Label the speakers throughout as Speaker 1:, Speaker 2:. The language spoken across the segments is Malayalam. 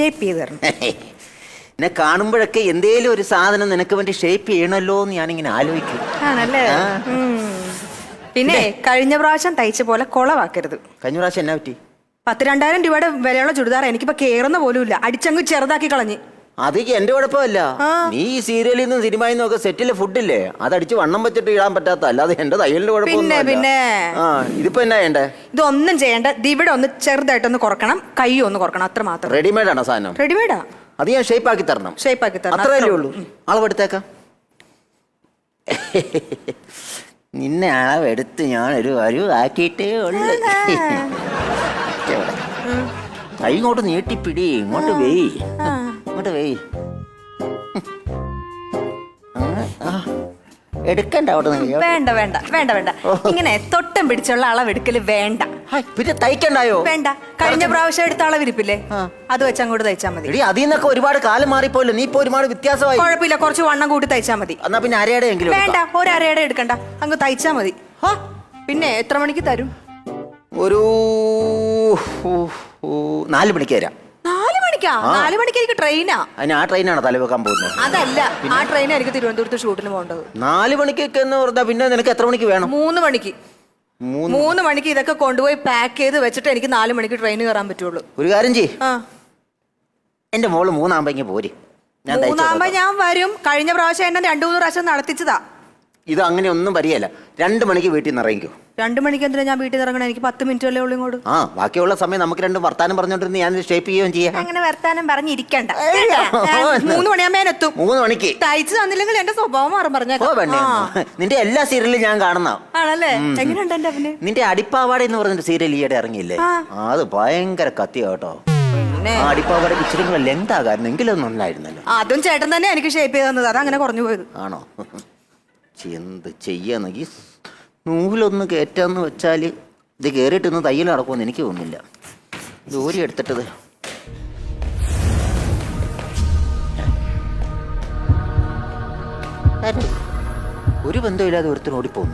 Speaker 1: ഷേപ്പ് ചെയ്ത് തരണം.
Speaker 2: എന്നെ കാണുമ്പോഴൊക്കെ എന്തേലും ഒരു സാധനം നിനക്ക് വേണ്ടി ഷേപ്പ് ചെയ്യണല്ലോ എന്ന് ഞാനിങ്ങനെ ആലോചിക്കും.
Speaker 1: ആണല്ലേ? പിന്നെ കഴിഞ്ഞ പ്രാവശ്യം തയ്ച്ച പോലെ കൊളവാക്കരുത്.
Speaker 2: കഴിഞ്ഞ പ്രാവശ്യം എന്നാ പറ്റി?
Speaker 1: 10,000-2000 രൂപയുടെ വിലയുള്ള ചുരിദാർ എനിക്കിപ്പോ കേറുന്ന പോലും ഇല്ല. അടിച്ചങ്ങ് ചെറുതാക്കി കളഞ്ഞ്.
Speaker 2: അത് എന്റെ കുഴപ്പമല്ല. നീ ഈ സീരിയലിൽ നിന്നും സിനിമയിൽ നിന്നും ഒക്കെ സെറ്റിലെ ഫുഡില്ലേ അതടിച്ച് വണ്ണം വെച്ചിട്ട് ഇടാൻ പറ്റാത്ത, അല്ലാതെ എന്റെ തയ്യലിന്റെ കുഴപ്പമൊന്നും. ഇതിപ്പോ എന്നാ ചെയ്യണ്ടേ?
Speaker 1: ഇതൊന്നും ചെയ്യണ്ട. ഇവിടെ ഒന്ന് ചെറുതായിട്ടൊന്ന് കുറക്കണം, കൈ ഒന്ന് കുറക്കണം, അത്ര മാത്രം.
Speaker 2: റെഡിമെയ്ഡ് ആണോ സാധനം?
Speaker 1: റെഡിമെയ്ഡാ.
Speaker 2: അത് ഞാൻ ഷേപ്പ് ആക്കി തരണം.
Speaker 1: ഷേപ്പ് ആക്കി തരണം,
Speaker 2: അത്രയല്ലേ ഉള്ളൂ. അളവെടുത്തേക്കാം. നിന്നെ അളവെടുത്ത് ഞാൻ ഒരു ആക്കിയിട്ടേ ഉള്ളു. കൈ ഇങ്ങോട്ട് നീട്ടിപ്പിടി, ഇങ്ങോട്ട് വെയ്, ഇങ്ങോട്ട് വെയ്. എടുക്കണ്ട അവിടെ.
Speaker 1: വേണ്ട വേണ്ട വേണ്ട വേണ്ട, ഇങ്ങനെ തൊട്ടം പിടിച്ചുള്ള അളവെടുക്കല് വേണ്ട.
Speaker 2: പിന്നെ തയ്ക്കണ്ടായോ?
Speaker 1: വേണ്ട. കഴിഞ്ഞ പ്രാവശ്യം എടുത്ത അളവിരിപ്പില്ലേ, അത് വെച്ച് അങ്ങോട്ട് തയ്ച്ചാ മതി.
Speaker 2: അതിൽ നിന്നൊക്കെ ഒരുപാട് കാലം മാറിപ്പോയല്ലോ, നീ ഇപ്പൊ ഒരുപാട് വ്യത്യാസമായി.
Speaker 1: കുഴപ്പമില്ല, കുറച്ച് വണ്ണം കൂട്ടി തയ്ച്ചാ മതി.
Speaker 2: എന്നാ പിന്നെ അരയുടെ എങ്കിലും
Speaker 1: വേണ്ട, ഒരു അരയുടെ എടുക്കണ്ട, അങ്ങ് തയ്ച്ചാ മതി. പിന്നെ എത്ര മണിക്ക് തരും?
Speaker 2: ഒരു 4 മണിക്ക് തരാം.
Speaker 1: 4 മണിക്കാ? 4 മണിക്ക് എനിക്ക് ട്രെയിനാ.
Speaker 2: അതിന് ആ ട്രെയിനാണോ തലവെക്കാൻ പോകുന്നത്?
Speaker 1: അതല്ല, ആ ട്രെയിനായിരിക്കും തിരുവനന്തപുരത്ത് ഷൂട്ടിന് പോകേണ്ടത്.
Speaker 2: 4 മണിക്കൊക്കെ എന്ന് പറഞ്ഞാൽ പിന്നെ നിനക്ക് എത്ര മണിക്ക് വേണം?
Speaker 1: 3 മണിക്ക്. 3 മണിക്ക് ഇതൊക്കെ കൊണ്ടുപോയി പാക്ക് ചെയ്ത് വെച്ചിട്ട് എനിക്ക് 4 മണിക്ക് ട്രെയിൻ കയറാൻ പറ്റുള്ളൂ.
Speaker 2: ഒരു കാര്യം ചെയ്യ്, എന്റെ മോള് 3 ആകുമ്പോ പോര്.
Speaker 1: 3 ആകുമ്പോ ഞാൻ വരും. കഴിഞ്ഞ പ്രാവശ്യം എന്നെ 2-3 പ്രാവശ്യം നടത്തിച്ചതാ.
Speaker 2: ഇത് അങ്ങനെ ഒന്നും വരികയല്ല. 2 മണിക്ക് വീട്ടിൽ നിന്ന് ഇറങ്ങിക്കോ.
Speaker 1: 2 മണിക്ക് എന്തിനാ ഞാൻ വീട്ടിൽ ഇറങ്ങണം? എനിക്ക് 10 മിനിറ്റ് അല്ലേ ഉള്ളൂ ഇങ്ങോട്ട്.
Speaker 2: ബാക്കിയുള്ള സമയം നമുക്ക് രണ്ടും വർത്താനം പറഞ്ഞോണ്ടിരുന്ന് ഞാൻ ഷേപ്പ് ചെയ്യുകയും ചെയ്യാം.
Speaker 1: അങ്ങനെ വർത്താനം പറഞ്ഞിരിക്കണ്ട. 3 മണിയാകുമ്പോ എത്തും.
Speaker 2: 3 മണിക്ക്
Speaker 1: തയ്ച്ചു തന്നില്ലെങ്കിൽ എന്റെ സ്വഭാവം മാറും.
Speaker 2: നിന്റെ എല്ലാ സീരിയലും ഞാൻ കാണുന്ന
Speaker 1: ആണല്ലേ? എങ്ങനെയുണ്ട് എന്റെ അവന്?
Speaker 2: നിന്റെ അടിപ്പാവാട എന്ന് പറഞ്ഞ സീരിയൽ ഈയിടെ ഇറങ്ങിയില്ലേ, അത് ഭയങ്കര കത്തിയാ കേട്ടോ. അടിപ്പാവാട ഇച്ചിരി കൂടെ ലെങ്ത് ആകായിരുന്നു, എങ്കിലും നന്നായിരുന്നല്ലോ.
Speaker 1: അതും ചേട്ടൻ തന്നെ എനിക്ക് ഷേപ്പ് ചെയ്ത് തന്നത്, അതങ്ങനെ കുറഞ്ഞു പോയത്.
Speaker 2: ആണോ? എന്ത് ചെയ്യാന്നെങ്കിൽ നൂലൊന്ന് കയറ്റാന്ന് വെച്ചാൽ ഇത് കയറിയിട്ടൊന്ന് തയ്യൽ നടക്കുമെന്ന് എനിക്ക് തോന്നുന്നില്ല. ജോലി എടുത്തിട്ടത് ഒരു ബന്ധമില്ലാതെ ഒരുത്തരും ഓടിപ്പോന്നു.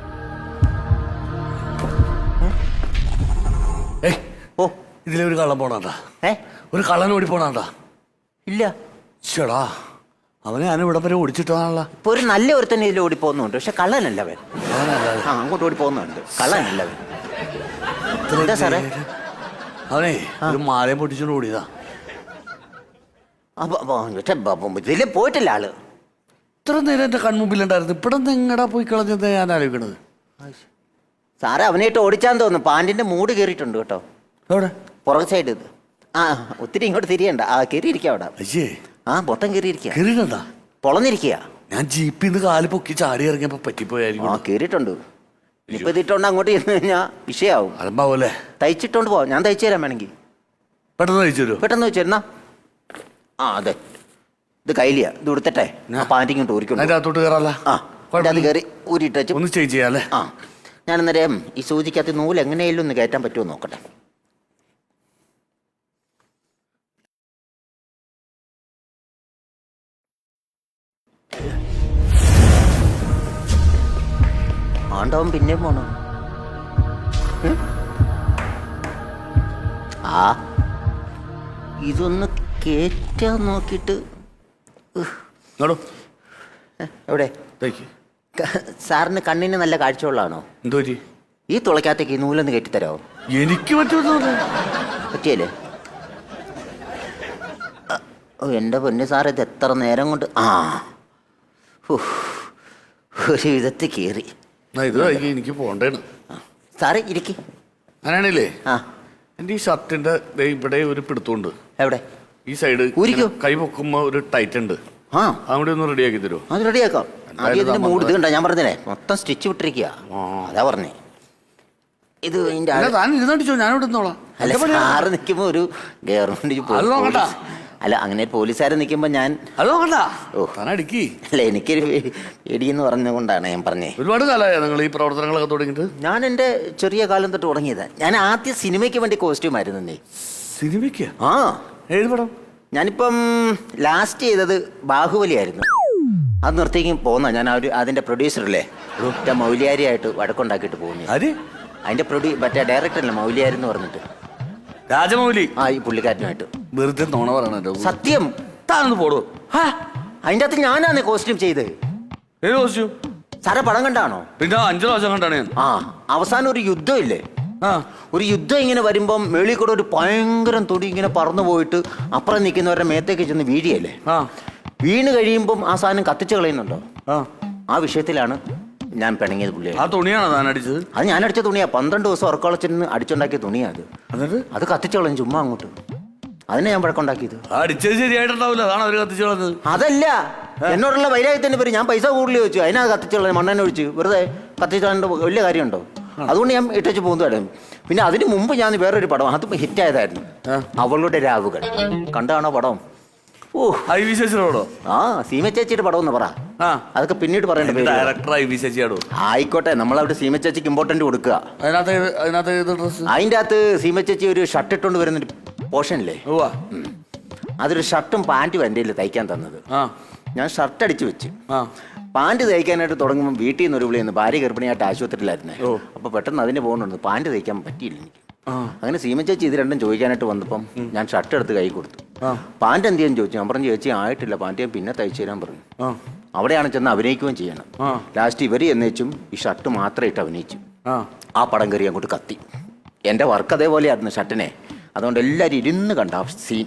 Speaker 3: ഓ, ഇതിലെ ഒരു കള്ളൻ പോണാണ്ടാ. ഒരു കള്ളൻ ഓടി പോണാണ്ടാ.
Speaker 2: ഇല്ല
Speaker 3: ചേടാ, അവനെ ഞാൻ ഇവിടെ വരെ ഓടിച്ചിട്ടാണല്ലോ.
Speaker 2: ഇപ്പൊ ഒരു നല്ല ഒരുത്തന്നെ ഇതിൽ ഓടി പോകുന്നുണ്ട്, പക്ഷെ കള്ളനല്ല അവൻ. അങ്ങോട്ട് ഓടി പോകുന്നുണ്ട്, കള്ളനല്ല അവൻ. എന്താ സാറേ?
Speaker 3: അവനെ ഒരു മാലയും പൊട്ടിച്ചോണ്ട് ഓടിയതാ.
Speaker 2: ഇതില് പോയിട്ടില്ല ആള്.
Speaker 3: ഇത്ര നേരം എന്റെ കൺമുമ്പിലുണ്ടായിരുന്നു, ഇവിടെ എങ്ങടാ പോയി കളഞ്ഞത് ഞാൻ ആലോചിക്കണത്.
Speaker 2: സാറേ അവനായിട്ട് ഓടിച്ചാന്ന് തോന്നുന്നു. പാൻറിന്റെ മൂട് കയറിയിട്ടുണ്ട് കേട്ടോ.
Speaker 3: എവിടെ?
Speaker 2: പുറകെ സൈഡ്. ഒത്തിരി ഇങ്ങോട്ട് തിരിയണ്ട. കയറിയിരിക്കുക അവിടെ. മൊത്തം കയറിയിരിക്കുക, പൊളന്നിരിക്കുക.
Speaker 3: ഞാൻ ജീപ്പിൽ നിന്ന് കാല് പൊക്കി ചാടി ഇറങ്ങിയപ്പോ പറ്റിപ്പോയായിരിക്കും.
Speaker 2: കയറിയിട്ടുണ്ട്. ഇനിയിപ്പോ ഇതിട്ടോണ്ട് അങ്ങോട്ട് ചെന്ന് കഴിഞ്ഞാൽ വിഷയാവും.
Speaker 3: അലമ്പാവല്ലേ?
Speaker 2: തയ്ച്ചിട്ടോണ്ട് പോവാം, ഞാൻ തയ്ച്ചു തരാൻ വേണമെങ്കിൽ.
Speaker 3: പെട്ടെന്ന് തയ്ച്ചു തരുമോ?
Speaker 2: പെട്ടെന്ന് വെച്ചിരുന്നാ. അതെ, ഇത് കയ്യിലിയാ. ഇത് കൊടുത്തിട്ടെ പാൻറ് ഇങ്ങോട്ട് ഊരിക്കൊണ്ട്
Speaker 3: അതിനകത്തോട്ട് കയറാല്ല.
Speaker 2: അത് കയറി ഊരിട്ടു
Speaker 3: ഒന്ന് ചേഞ്ച് ചെയ്യാല്ലേ?
Speaker 2: ഞാൻ അന്നേരം ഈ സൂചിക്കകത്ത് നൂല് എങ്ങനെയെങ്കിലും ഒന്ന് കയറ്റാൻ പറ്റുമോ നോക്കട്ടെ. ആണ്ടവൻ പിന്നെയും പോണോ? ഇതൊന്ന് കേറ്റാൻ നോക്കിട്ട്. എവിടെ? സാറിന് കണ്ണിന് നല്ല കാഴ്ചയുള്ളതാണോ?
Speaker 3: എന്തോ
Speaker 2: ഈ തുളയ്ക്കകത്തേക്ക് ഈ നൂലൊന്ന് കയറ്റിത്തരാമോ?
Speaker 3: എനിക്ക്
Speaker 2: പറ്റിയല്ലേ? എൻ്റെ പൊന്നു സാർ, ഇത് എത്ര നേരം കൊണ്ട് ഒരു വിധത്തിൽ കയറി.
Speaker 3: എനിക്ക് പോണ്ടേണ്.
Speaker 2: സാറേ ഇരിക്കി.
Speaker 3: അങ്ങനെയാണല്ലേ? എൻ്റെ ഈ ഷർട്ടിന്റെ ഇവിടെ ഒരു പിടുത്തമുണ്ട്.
Speaker 2: എവിടെ?
Speaker 3: ഈ സൈഡ് കൈ പൊക്കുമ്പോ ഒരു ടൈറ്റ് ഉണ്ട്. അവിടെ ഒന്ന് റെഡിയാക്കി തരുമോ? അത്
Speaker 2: റെഡിയാക്കാം. മൂട് ഇത് കണ്ട, ഞാൻ പറഞ്ഞേ മൊത്തം സ്റ്റിച്ച് വിട്ടിരിക്കുക. അതാ പറഞ്ഞേ. ഇത് സാറ് നിൽക്കുമ്പോ ഒരു ഗവൺമെന്റ് അല്ല, അങ്ങനെ പോലീസുകാരെ നിൽക്കുമ്പോ ഞാൻ അല്ല, എനിക്കൊരു പേടിയെന്ന് പറഞ്ഞുകൊണ്ടാണ് ഞാൻ പറഞ്ഞേ.
Speaker 3: ഒരുപാട് കാലമായ നിങ്ങൾ ഈ പ്രവർത്തനങ്ങളൊക്കെ തുടങ്ങിയിട്ട്?
Speaker 2: ഞാൻ എൻ്റെ ചെറിയ കാലം തൊട്ട് തുടങ്ങിയതാ. ഞാൻ ആദ്യം സിനിമയ്ക്ക് വേണ്ടി കോസ്റ്റ്യൂം ആയിരുന്നേ.
Speaker 3: സിനിമയ്ക്ക്? ഏത് പടം?
Speaker 2: ഞാനിപ്പം ലാസ്റ്റ് ചെയ്തത് ബാഹുബലി ആയിരുന്നു. അത് നിർത്തിക്കും പോകുന്ന ഞാൻ അതിന്റെ പ്രൊഡ്യൂസറല്ലേ മൗലിയാരിയായിട്ട് വഴക്കുണ്ടാക്കിയിട്ട് പോകുന്നു. അതിന്റെ മറ്റേ ഡയറക്ടറല്ലേ മൗലിയാരി എന്ന് പറഞ്ഞിട്ട്.
Speaker 3: രാജമൗലി.
Speaker 2: ആ ഈ പുള്ളിക്കാരനുമായിട്ട്.
Speaker 3: വെറുതെ നോണ പറയണോ?
Speaker 2: സത്യം.
Speaker 3: താനൊന്ന് പോടോ.
Speaker 2: അതിൻ്റെ അകത്ത് ഞാനാണ് കോസ്റ്റ്യൂം ചെയ്ത്.
Speaker 3: ഏത് കോസ്റ്റ്യൂം?
Speaker 2: സാറെ പടം കണ്ടാണോ?
Speaker 3: പിന്നെ 5 പ്രാവശ്യം കണ്ടാണ് ഞാൻ.
Speaker 2: അവസാനം ഒരു യുദ്ധം ഇല്ലേ? ഒരു യുദ്ധം ഇങ്ങനെ വരുമ്പം മേളിൽ കൂടെ ഒരു ഭയങ്കരം തൊടി ഇങ്ങനെ പറന്നു പോയിട്ട് അപ്പുറം നിൽക്കുന്നവരുടെ മേത്തേക്ക് ചെന്ന് വീഴിയല്ലേ? വീണ് കഴിയുമ്പം ആ സാധനം കത്തിച്ച് കളയുന്നുണ്ടോ? ആ വിഷയത്തിലാണ് ഞാൻ പിണങ്ങിയത് പുള്ളിയെ.
Speaker 3: ആ തുണിയാണോ താൻ അടിച്ചത്?
Speaker 2: അത് ഞാൻ അടിച്ച തുണിയാ. 12 ദിവസം ഉറക്കളച്ചിരുന്ന് അടിച്ചുണ്ടാക്കിയ തുണിയാ അത്. അത് കത്തിച്ച് കളഞ്ഞു ചുമ്മാ അങ്ങോട്ട്. അതിനെ ഞാൻ വഴക്കുണ്ടാക്കിയത്.
Speaker 3: അടിച്ചത് ശരിയായിട്ടുണ്ടാവില്ല, അതാണ് അവര് കത്തിച്ചു കളഞ്ഞത്.
Speaker 2: അതല്ല, എന്നോടുള്ള വൈരാഗ്യത്തിന്റെ പേര് ഞാൻ പൈസ കൂടുതൽ ചോദിച്ചു, അതിനാ കത്തിച്ച് കളഞ്ഞു. മണ്ണെണ്ണ ഒഴിച്ച് വെറുതെ കത്തിച്ച് കളയേണ്ട വലിയ കാര്യമുണ്ടോ? അതുകൊണ്ട് ഞാൻ ഇട്ടു പോകുന്നതായിരുന്നു. പിന്നെ അതിന് മുമ്പ് ഞാൻ വേറൊരു പടം, അത് ഹിറ്റായതായിരുന്നു, അവളുടെ രാവുകൾ. കണ്ടാണോ പടം? ഓ സീമ ചേച്ചിയുടെ പടം എന്ന് പറ. അതൊക്കെ പിന്നീട് പറയേണ്ട പേര്. ആയിക്കോട്ടെ, നമ്മളവിടെ സീമ ചേച്ചിക്ക് ഇമ്പോർട്ടന്റ് കൊടുക്കുക. അതിന്റെ അകത്ത് സീമ ചേച്ചി ഒരു ഷർട്ട് ഇട്ടുകൊണ്ട് വരുന്നൊരു പോർഷനില്ലേ, അതൊരു ഷർട്ടും പാന്റും എൻ്റെ കയ്യിൽ തയ്ക്കാൻ തന്നത്. ഞാൻ ഷർട്ട് അടിച്ചു വെച്ച് പാന്റ് തയ്ക്കാനായിട്ട് തുടങ്ങുമ്പോൾ വീട്ടിൽ നിന്ന് ഒരു വിളിയെന്ന്, ഭാര്യ ഗർഭിണിയായിട്ട് ആശുപത്രിയിലായിരുന്നേ. അപ്പൊ പെട്ടെന്ന് അതിന് പോകുന്നുണ്ട്, പാന്റ് തയ്ക്കാൻ പറ്റിയില്ല എനിക്ക്. അങ്ങനെ സീമ ചേച്ചി ഇത് രണ്ടും ചോദിക്കാനായിട്ട് വന്നപ്പം ഞാൻ ഷർട്ട് എടുത്ത് കൈ കൊടുത്തു. പാന്റ് എന്ത് ചെയ്യാൻ ചോദിച്ചു. ഞാൻ പറഞ്ഞു ചേച്ചി ആയിട്ടില്ല, പാന്റ് ഞാൻ പിന്നെ തയ്ച്ചു തരാൻ പറഞ്ഞു. അവിടെയാണ് ചെന്ന് അഭിനയിക്കുകയും ചെയ്യണം. ലാസ്റ്റ് ഇവര് എന്നേച്ചും ഈ ഷർട്ട് മാത്രം ഇട്ട് അഭിനയിച്ചു. ആ പടം കയറി അങ്ങോട്ട് കത്തി. എൻ്റെ വർക്ക് അതേപോലെയായിരുന്നു ഷർട്ടിനെ. അതുകൊണ്ട് എല്ലാവരും ഇരുന്ന് കണ്ട സീൻ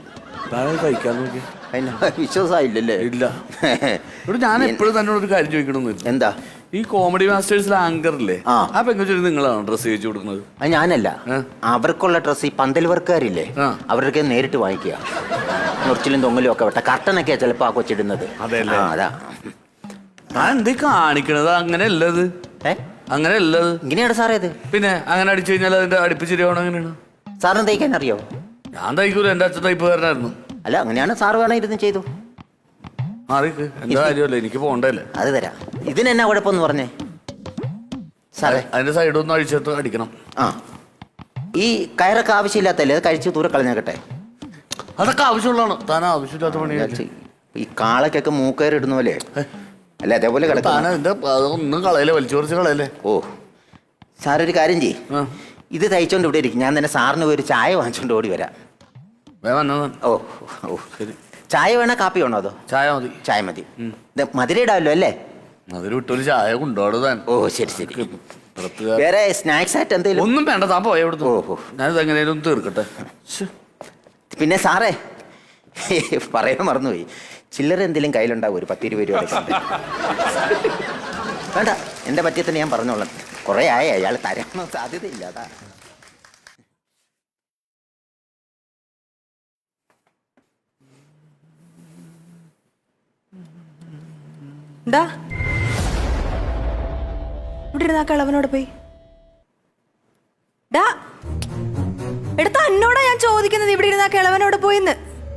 Speaker 2: വിശ്വാസമായില്ലല്ലേ?
Speaker 3: ഇല്ല. ഞാൻ എപ്പോഴും തന്നോട് ഒരു കാര്യം ചോദിക്കണമെന്ന്.
Speaker 2: എന്താ?
Speaker 3: ഈ കോമഡി മാസ്റ്റേഴ്സിലെ ആങ്കറില്ലേ, ആ പെങ്കൊച്ചിന് നിങ്ങളാണ് ഡ്രസ്സ് ചെയ്യിച്ചു കൊടുക്കുന്നത്?
Speaker 2: അത് ഞാനല്ല. അവർക്കുള്ള ഡ്രസ്സ് ഈ പന്തൽ വർക്കാരില്ലേ, അവരൊക്കെ നേരിട്ട് വാങ്ങിക്കുക. മുറിച്ചിലും തൊങ്ങലും ഒക്കെ വിട്ട കർട്ടനൊക്കെയാ ചിലപ്പോ ആ കൊച്ചിടുന്നത്. അതാ
Speaker 3: ഞാൻ എന്തേ കാണിക്കണത്? അങ്ങനെ അല്ലത്, അങ്ങനെ അല്ലത്.
Speaker 2: ഇങ്ങനെയാണ് സാറേ ഇത്.
Speaker 3: പിന്നെ അങ്ങനെ അടിച്ചു കഴിഞ്ഞാൽ അതിന്റെ അടുപ്പിച്ചിരിയാവണം. എങ്ങനെയാണ്
Speaker 2: സാറിന് തയ്ക്കാൻ അറിയോ?
Speaker 3: ഞാൻ തയ്ക്കൂല, എന്റെ അച്ഛൻ തയ്പ്പുകാരനായിരുന്നു.
Speaker 2: അല്ല അങ്ങനെയാണ് സാറ് വേണം ഇരുന്ന് ചെയ്തു.
Speaker 3: എന്താ കാര്യമല്ലേ, എനിക്ക് പോണ്ടല്ലേ.
Speaker 2: അത് തരാം. ഇതിനെന്നാ കുഴപ്പമെന്ന് പറഞ്ഞേ സാറേ?
Speaker 3: അതിന്റെ സൈഡൊന്നും അഴിച്ചെടുത്ത് അടിക്കണം.
Speaker 2: ഈ കയറൊക്കെ ആവശ്യമില്ലാത്തല്ലേ, അത് കഴിച്ച് ദൂരെ കളഞ്ഞേക്കട്ടെ.
Speaker 3: അതൊക്കെ ആവശ്യമുള്ളതാണ്, താൻ ആവശ്യമില്ലാത്ത പണി.
Speaker 2: ഈ കാളക്കൊക്കെ മൂക്കയർ ഇടുന്ന പോലെ അല്ല, അതേപോലെ
Speaker 3: ഒന്നും കളയല്ലേ, വലിച്ചു കുറച്ച് കളയല്ലേ.
Speaker 2: ഓ സാറൊരു കാര്യം ചെയ്യ്, ഇത് തയ്ച്ചോണ്ട് ഇവിടെ ഇരിക്കും. ഞാൻ തന്നെ സാറിന് ഒരു ചായ വാങ്ങിച്ചോണ്ട് ഓടി വരാം. ഓ ഓ ശരി. ചായ വേണോ കാപ്പി വേണോ? അതോ
Speaker 3: ചായ മതി.
Speaker 2: ചായ മതി. മധുരം ഇടാമല്ലോ അല്ലേ?
Speaker 3: മധുരം ഇട്ടൊരു ചായ കൊണ്ടുപോകാൻ.
Speaker 2: ഓ ശരി ശരി. വേറെ സ്നാക്സ് ആയിട്ട് എന്തെങ്കിലും?
Speaker 3: ഒന്നും വേണ്ട, താൻ പോയ. ഓഹോ, ഞാനിത് എങ്ങനെയാലും ഒന്ന് തീർക്കട്ടെ.
Speaker 2: പിന്നെ സാറേ പറയാൻ മറന്നുപോയി, ചില്ലറ എന്തെങ്കിലും കയ്യിലുണ്ടാവും, ഒരു 10-20 രൂപ. വേണ്ട, എൻ്റെ പറ്റിയ തന്നെ ഞാൻ പറഞ്ഞോളാം. കുറേ ആയ അയാൾ തരാനോ സാധ്യതയില്ല. അതാ
Speaker 1: ഇവിടെ ഇരുന്ന കളവനോട് പോയി. എടുത്ത എന്നോടാ ഞാൻ ചോദിക്കുന്നത്, ഇവിടെ ഇരുന്ന കിളവനോട് പോയിന്ന്.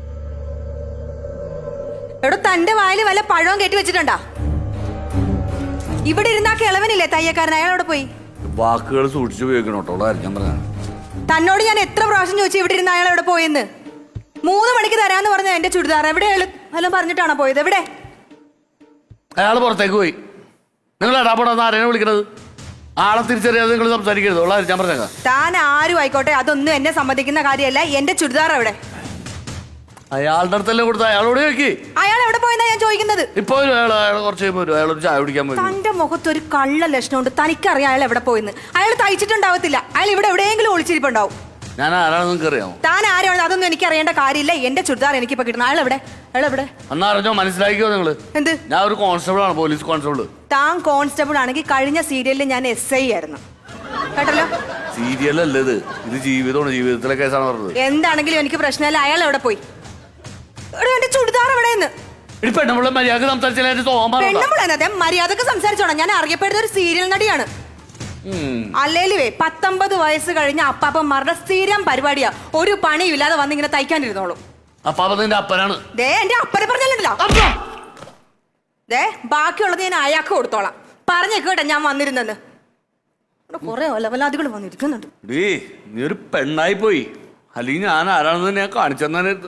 Speaker 1: എടോ, തന്റെ വായിൽ വല്ല പഴവും കെട്ടി വെച്ചിട്ടുണ്ടാ? ഇവിടെ ഇരുന്ന കിളവനില്ലേ തയ്യക്കാരൻ, അയാളോട് പോയി.
Speaker 3: വാക്കുകൾ സൂക്ഷിച്ചു ഉപയോഗിക്കണം.
Speaker 1: തന്നോട് ഞാൻ എത്ര പ്രാവശ്യം ചോദിച്ചു ഇവിടെ ഇരുന്ന അയാൾ എവിടെ പോയെന്ന്? 3 മണിക്ക് തരാന്ന് പറഞ്ഞ എന്റെ ചുരിദാർ എവിടെ വല്ലതും പറഞ്ഞിട്ടാണോ പോയത്? എവിടെ?
Speaker 3: അയാൾ പുറത്തേക്ക് പോയി. നിങ്ങൾ ഇടാപെടാന്ന് ആരെയാണ് വിളിക്കണത്? ആളെ തിരിച്ചറിയാതെ നിങ്ങൾ സംസാരിക്കരുത്. ഞാൻ പറഞ്ഞേക്കാം.
Speaker 1: താൻ ആരും ആയിക്കോട്ടെ, അതൊന്നും എന്നെ സമ്മതിക്കുന്ന കാര്യമല്ല. എന്റെ ചുരിദാർ എവിടെ?
Speaker 3: അയാളുടെ അടുത്തല്ലേ കൊടുത്ത, അയാളോട് ചോദിക്കി.
Speaker 1: അയാൾ എവിടെ പോയെന്നാ ഞാൻ ചോദിക്കുന്നത്.
Speaker 3: ഇപ്പൊ അയാൾ കുറച്ച് കഴിയുമ്പോൾ അയാളൊരു ചായ കുടിക്കാൻ പോയി.
Speaker 1: തന്റെ മുഖത്ത് ഒരു കള്ള ലക്ഷണമുണ്ട്. തനിക്കറിയാം അയാൾ എവിടെ പോയെന്ന്. അയാൾ തയ്ച്ചിട്ടുണ്ടാവത്തില്ല. അയാൾ ഇവിടെ എവിടെയെങ്കിലും ഒളിച്ചിരിപ്പുണ്ടാവും.
Speaker 3: ഞാൻ ആരാണെന്ന് നിങ്ങൾക്ക് അറിയാമോ?
Speaker 1: താൻ ആരാണ് അതൊന്നും എനിക്ക് അറിയേണ്ട കാര്യമില്ല. എന്റെ ചുരിദാർ എനിക്കിപ്പോ കിട്ടണം. അയാൾ എവിടെ? എന്നാ
Speaker 3: അറിഞ്ഞോ, മനസ്സിലാക്കിയോ നിങ്ങള്? എന്ത്? ഞാൻ ഒരു കോൺസ്റ്റബിൾ ആണ്, പോലീസ് കോൺസ്റ്റബിൾ.
Speaker 1: താൻ കോൺസ്റ്റബിൾ ആണെങ്കിൽ കഴിഞ്ഞ സീരിയലിൽ ഞാൻ SI ആയിരുന്നു, കേട്ടല്ലോ.
Speaker 3: സീരിയൽ അല്ലേ ഇത്, ഇത് ജീവിതമാണ്, ജീവിതത്തിലെ കേസാണ് പറഞ്ഞത്.
Speaker 1: എന്താണെങ്കിലും എനിക്ക് പ്രശ്നമില്ല. അയാൾ എവിടെ പോയി? എന്റെ ചുരിദാർ എവിടെയെന്ന്
Speaker 3: പെണ്ണുമ്പളെ മര്യാദ സംസാരിച്ചാൽ
Speaker 1: മര്യാദക്ക് സംസാരിച്ചോണം. ഞാൻ അറിയപ്പെടുന്ന ഒരു സീരിയൽ നടിയാണ്. അല്ലേലുവേ 19 വയസ്സ് കഴിഞ്ഞ അപ്പാപ്പന്മാരുടെ സ്ഥിരം പരിപാടിയാ. ഒരു പണിയില്ലാതെ വന്നിങ്ങനെ തയ്ക്കാനിരുന്നോളൂ.
Speaker 3: അപ്പാപ്പന്റെ അപ്പനാണ്.
Speaker 1: ദേ, എന്റെ അപ്പനെ പറഞ്ഞല്ലോ. ദേ, ബാക്കിയുള്ളത് ഞാൻ അയാൾക്ക് കൊടുത്തോളാം. പറഞ്ഞേക്കട്ടെ ഞാൻ വന്നിരുന്നെന്ന്. കൊറേ ഒലവലാദികൾ വന്നിരിക്കുന്നുണ്ട്.
Speaker 3: നീ ഒരു പെണ്ണായി പോയി, അല്ലെങ്കിൽ ഞാൻ ആരാണെന്ന് ഞാൻ കാണിച്ചെന്നായിരുന്നു.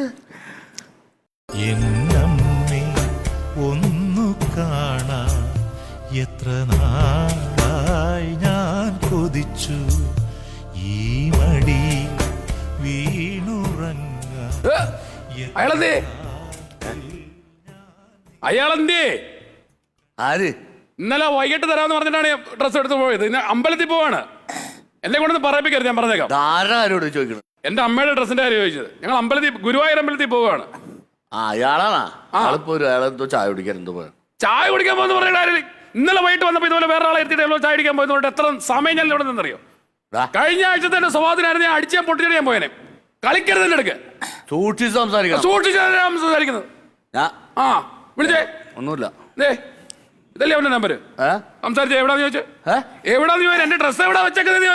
Speaker 4: എന്നമ്മേ ഒന്നു കാണാ, എത്ര നാളായി ഞാൻ കൊതിച്ചു ഈ മടി
Speaker 5: അയാളെന്തേ അയാളെന്തേ
Speaker 3: ആര്?
Speaker 5: ഇന്നലെ വൈകിട്ട് തരാമെന്ന് പറഞ്ഞിട്ടാണ് ഡ്രസ്സ് എടുത്ത് പോയത്. ഇന്ന് അമ്പലത്തിൽ പോവാണ്. എന്നെ കൊണ്ടൊന്ന് പറയിപ്പിക്കരുത്, ഞാൻ പറഞ്ഞേക്കാം.
Speaker 3: ആരോട് ചോദിക്കണം?
Speaker 5: എന്റെ അമ്മയുടെ ഡ്രസ്സിന്റെ കാര്യം ചോദിച്ചത്. ഞങ്ങൾ ഗുരുവായൂർ അമ്പലത്തിൽ പോവുകയാണ്.
Speaker 3: ആ അയാളാണോ? ആളിപ്പോ അയാളെന്തോ ചായ കുടിക്കാൻ എന്തോ പോയ.
Speaker 5: ചായ കുടിക്കാൻ പോകുന്ന പറഞ്ഞ കാര്യം ഇന്നലെ വൈകിട്ട് വന്നപ്പോൾ ഇതുപോലെ വേറെ ആളെ എത്തിയിട്ട് ചായ കുടിക്കാൻ പോയതുകൊണ്ട് എത്ര സമയം ഞാൻ ഇവിടെ നിന്നറിയോ? കഴിഞ്ഞ ആഴ്ച തന്നെ സ്വഭാവത്തിനായിരുന്നു ഞാൻ അടിച്ചാൽ പൊട്ടിച്ചിട്ട് ഞാൻ പോയനെ. കളിക്കരുത് എന്റെ അടുക്ക്.
Speaker 3: സൂക്ഷിച്ച് സംസാരിക്കണം.
Speaker 5: സൂക്ഷിച്ചാണ് സംസാരിക്കുന്നത്. ആ വിളിച്ചേ.
Speaker 3: ഒന്നുമില്ല.
Speaker 5: ഇതല്ലേ അവന്റെ നമ്പർ? സംസാരിച്ച എവിടാന്ന് ചോദിച്ചു. എവിടാന്ന് ചോദിച്ചു? എന്റെ ഡ്രസ്സ് എവിടെ വെച്ചേക്കുന്നത്?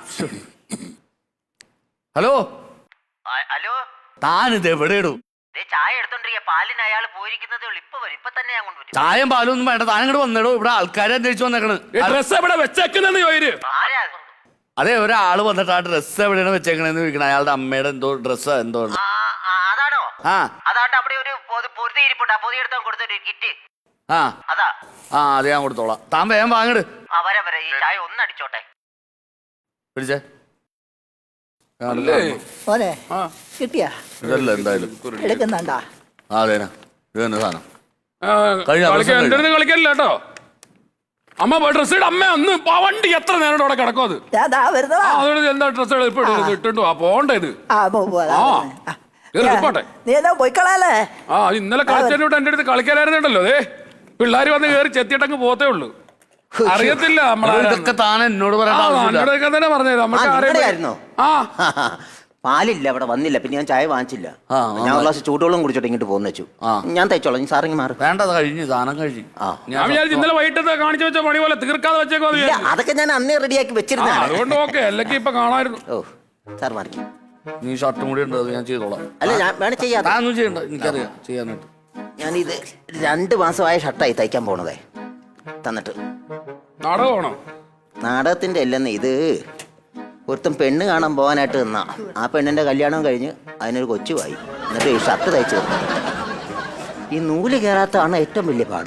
Speaker 3: ഹലോ
Speaker 2: ഹലോ,
Speaker 3: താനിത് എവിടെ ഇടും?
Speaker 2: ചായ എടുത്തോണ്ടിരിക്കുക. പാലിന് അയാൾ പോയിരിക്കുന്നതേ ഉള്ളൂ. ഇപ്പൊ തന്നെ ഞാൻ കൊണ്ടുവരും.
Speaker 3: ചായം പാലും ഒന്നും വേണ്ട. താൻ ഇങ്ങോട്ട് വന്നിടോ. ഇവിടെ ആൾക്കാരെ അന്വേഷിച്ചു വന്നേക്കണ്.
Speaker 5: ഡ്രസ്സ് എവിടെ വെച്ചേക്കുന്നെന്ന് ചോദിച്ചു.
Speaker 3: അതെ, ഒരാള് വന്നിട്ട് ആ ഡ്രസ്സ് എവിടെയാണ് വെച്ചേക്കണെന്ന് ചോദിക്കണം. അയാളുടെ അമ്മയുടെ എന്തോ ഡ്രസ്സ് എന്തോ.
Speaker 2: അതാണോ?
Speaker 3: ആ
Speaker 2: അതാണ്ട് അവിടെ ഒരു പൊതി ഇരിപ്പുണ്ട്. ആ പൊതി എടുത്താൽ കൊടുത്തൊരു കിറ്റ്.
Speaker 3: ആ
Speaker 2: അതാ.
Speaker 3: അത് ഞാൻ കൊടുത്തോളാം. താൻ വേഗം വാങ്ങിട്.
Speaker 2: വരാ ഈ ചായ ഒന്ന് അടിച്ചോട്ടെ.
Speaker 3: പിടിച്ചേ.
Speaker 6: മോനെ കിട്ടിയാ
Speaker 3: ഇതല്ല എന്തായാലും
Speaker 6: എടുക്കുന്നുണ്ടാ?
Speaker 3: അതേനാ ഇത് തന്നെ സാധനം.
Speaker 5: എന്റെ അടുത്ത് കളിക്കലില്ല കേട്ടോ. അമ്മ ഡ്രസ് ഇട. അമ്മ ഒന്ന് വണ്ടി എത്ര നേരം അവിടെ കിടക്കും. അത് അതുകൊണ്ട് എന്താ ഡ്രസ് ഇട്ടുണ്ടോ? പോണ്ടേ ഇത്. പോട്ടെ.
Speaker 6: നീ എന്താ പോയിക്കളാലേ?
Speaker 5: ഇന്നലെ കളിച്ചോട്ട് എന്റെ അടുത്ത് കളിക്കാനായിരുന്നുണ്ടല്ലോ. അതെ, പിള്ളേര് വന്ന് കയറി ചെത്തിയിട്ടങ്ങ് പോത്തേ ഉള്ളൂ. അറിയത്തില്ല.
Speaker 3: ഇതൊക്കെ താൻ എന്നോട്
Speaker 5: നമ്മളൊക്കെ തന്നെ പറഞ്ഞത്. നമുക്ക്
Speaker 2: പാലില്ല, അവിടെ വന്നില്ല. പിന്നെ ഞാൻ ചായ വാങ്ങിച്ചില്ല. ഞാൻ ഒരു ഗ്ലാസ് ചൂടുവെള്ളം കുടിച്ചോട്ടെ ഇങ്ങോട്ട് പോന്നു വെച്ചു. ഞാൻ തയ്ച്ചോളാം. സാറിങ് മാറും.
Speaker 3: വേണ്ടത് കഴിഞ്ഞു. സാധനം കഴിഞ്ഞു.
Speaker 5: ഞാൻ വിചാരിച്ചു ഇന്നലെ വൈകിട്ട് കാണിച്ചു വെച്ച പണി പോലെ തീർക്കാതെ വെച്ചേക്കോ.
Speaker 2: അതൊക്കെ ഞാൻ അന്നേ റെഡിയാക്കി വെച്ചിരുന്ന.
Speaker 5: അതുകൊണ്ട് ഓക്കെ. അല്ലെങ്കിൽ ഇപ്പൊ കാണായിരുന്നു.
Speaker 2: ഓ സാർ മാറി.
Speaker 3: നീ ഷർട്ടും കൂടി ഉണ്ട്. അത് ഞാൻ ചെയ്തോളാം.
Speaker 2: അല്ല, ഞാൻ വേണം ചെയ്യാതെ.
Speaker 3: ഒന്നും ചെയ്യണ്ട. എനിക്കറിയാം ചെയ്യാനായിട്ട്.
Speaker 2: ഞാനിത് 2 മാസമായ ഷർട്ടായി തയ്ക്കാൻ പോണതേ. തന്നിട്ട്
Speaker 5: നാടകമാണോ?
Speaker 2: നാടകത്തിന്റെ അല്ലെന്ന്. ഇത് ഒരുത്തം പെണ്ണ് കാണാൻ പോകാനായിട്ട് നിന്നാ. ആ പെണ്ണിന്റെ കല്യാണം കഴിഞ്ഞ് അതിനൊരു കൊച്ചുമായി. എന്നിട്ട് ഈ ഷർട്ട് തയ്ച്ചു തന്നു. ഈ നൂല് കയറാത്തതാണ് ഏറ്റവും വലിയ പാട്.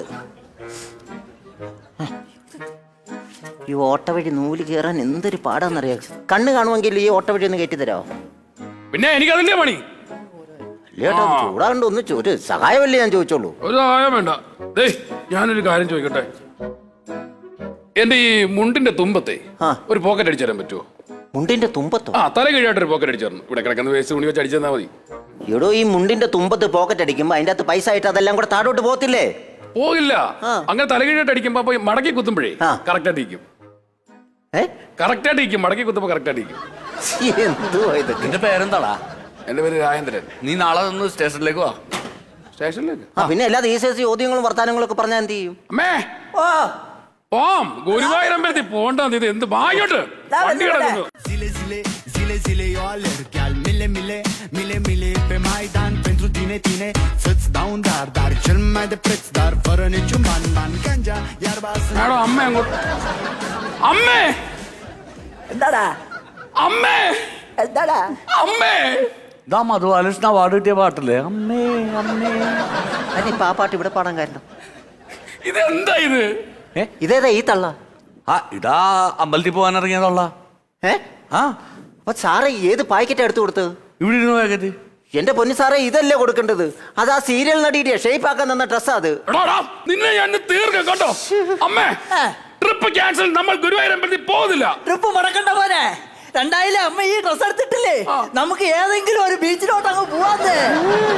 Speaker 2: ഈ ഓട്ട വഴി നൂല് കയറാൻ എന്തൊരു പാടാന്നറിയാം. കണ്ണ് കാണുമെങ്കിൽ ഈ ഓട്ട വഴി ഒന്ന് കയറ്റി തരാമോ?
Speaker 5: പിന്നെ എനിക്കതിന്റെ പണി.
Speaker 2: അല്ലേട്ടോ, ചൂടാണ്ട് ഒന്ന് ഒരു സഹായമല്ലേ ഞാൻ ചോദിച്ചോളൂ.
Speaker 5: ഒരു സഹായം വേണ്ട. ഞാനൊരു കാര്യം ചോദിക്കട്ടെ. എന്റെ ഈ മുണ്ടിന്റെ തുമ്പത്തെ ഒരു പോക്കറ്റ് അടിച്ചു തരാൻ പറ്റുമോ?
Speaker 2: മുണ്ടിന്റെ തുമ്പത്തോ?
Speaker 5: തല കീഴായിട്ട് ഒരു പോക്കറ്റ് അടിച്ചു തരണം. ഇവിടെ കിടക്കുന്ന വേസ്റ്റ് തുണി വെച്ച് അടിച്ചു തന്നാൽ മതി.
Speaker 2: എടോ, ഈ മുണ്ടിന്റെ തുമ്പത്ത് പോക്കറ്റ് അടിക്കുമ്പോ അതിന്റെ അകത്ത് പൈസ ആയിട്ട് അതെല്ലാം കൂടെ താഴോട്ട് പോകത്തില്ലേ?
Speaker 5: പോകില്ല. അങ്ങനെ തല കീഴായിട്ട് അടിക്കുമ്പോ മടക്കി കുത്തുമ്പോഴേ കറക്റ്റ് ആയിട്ട് ഇരിക്കും. കറക്റ്റ് ആയിട്ട് ഇരിക്കും. മടക്കി കുത്തുമ്പോ കറക്റ്റ് ആയിട്ട് ഇരിക്കും.
Speaker 2: എന്തുവാ ഇതൊക്കെ?
Speaker 3: നിന്റെ പേരെന്താടാ?
Speaker 5: എന്റെ പേര് രാജേന്ദ്രൻ.
Speaker 3: നീ നാളെ ഒന്ന് സ്റ്റേഷനിലേക്ക് വാ.
Speaker 5: സ്റ്റേഷനിലേക്ക്?
Speaker 2: പിന്നെ എല്ലാ ചോദ്യങ്ങളും വർത്താനങ്ങളും ഒക്കെ പറഞ്ഞാൽ എന്ത് ചെയ്യും?
Speaker 5: അമ്മേ ഗുരുവായൂർ അമ്പലത്തിൽ പോണ്ട. ഇത് എന്ത് വായോട്ട് വണ്ടി കിടക്കുന്നു.
Speaker 7: Zile, zile, eu alerg al mile, mile, mile, mile pe Maidan pentru tine, tine să-ți dau un dar cel mai de preț, dar fără niciun ban, ganja, iarba sunt.
Speaker 5: Madam, അമ്മ അങ്ങോട്ട്. അമ്മേ,
Speaker 6: എന്താടാ?
Speaker 5: അമ്മേ,
Speaker 6: എന്താടാ?
Speaker 5: അമ്മേ.
Speaker 3: ഇതാ മധുബാലകൃഷ്ണ അവാർഡ് കിട്ടിയ പാട്ടല്ലേ? അമ്മേ അമ്മേ.
Speaker 2: അതിനിപ്പോ ആ പാട്ട് ഇവിടെ പാടാൻ കാരണം
Speaker 5: ഇതെന്താ ഇത്?
Speaker 2: ഇതേതാ ഈ തള്ള?
Speaker 3: ഇതാ അമ്പലത്തിൽ പോകാൻ ഇറങ്ങിയതുള്ള.
Speaker 2: അപ്പൊ സാറേ ഏത് പാക്കറ്റ് എടുത്തു കൊടുത്തത്?
Speaker 3: ഇവിടെ ഇരുന്ന് പാക്കറ്റ്.
Speaker 2: എന്റെ പൊന്നു സാറേ, ഇതല്ലേ കൊടുക്കേണ്ടത്? അത് ആ സീരിയൽ നടിയുടെ ഷേപ്പ് ആക്കാൻ തന്ന ഡ്രസ്സാ അത്.
Speaker 5: നിന്നെ ഞാൻ തീർക്കാം കേട്ടോ. അമ്മേ, ട്രിപ്പ് ക്യാൻസൽ. നമ്മൾ ഗുരുവായൂർ അമ്പലത്തിൽ പോകുന്നില്ല.
Speaker 6: ട്രിപ്പ് മുടക്കണ്ട പോലെ. 2000 അമ്മ ഈ ഡ്രസ് എടുത്തിട്ടില്ലേ? നമുക്ക് ഏതെങ്കിലും ഒരു ബീച്ചിലോട്ട് അങ്ങ് പോവാന്ന്.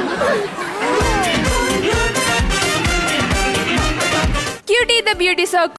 Speaker 8: Cutie the Beauty Circle.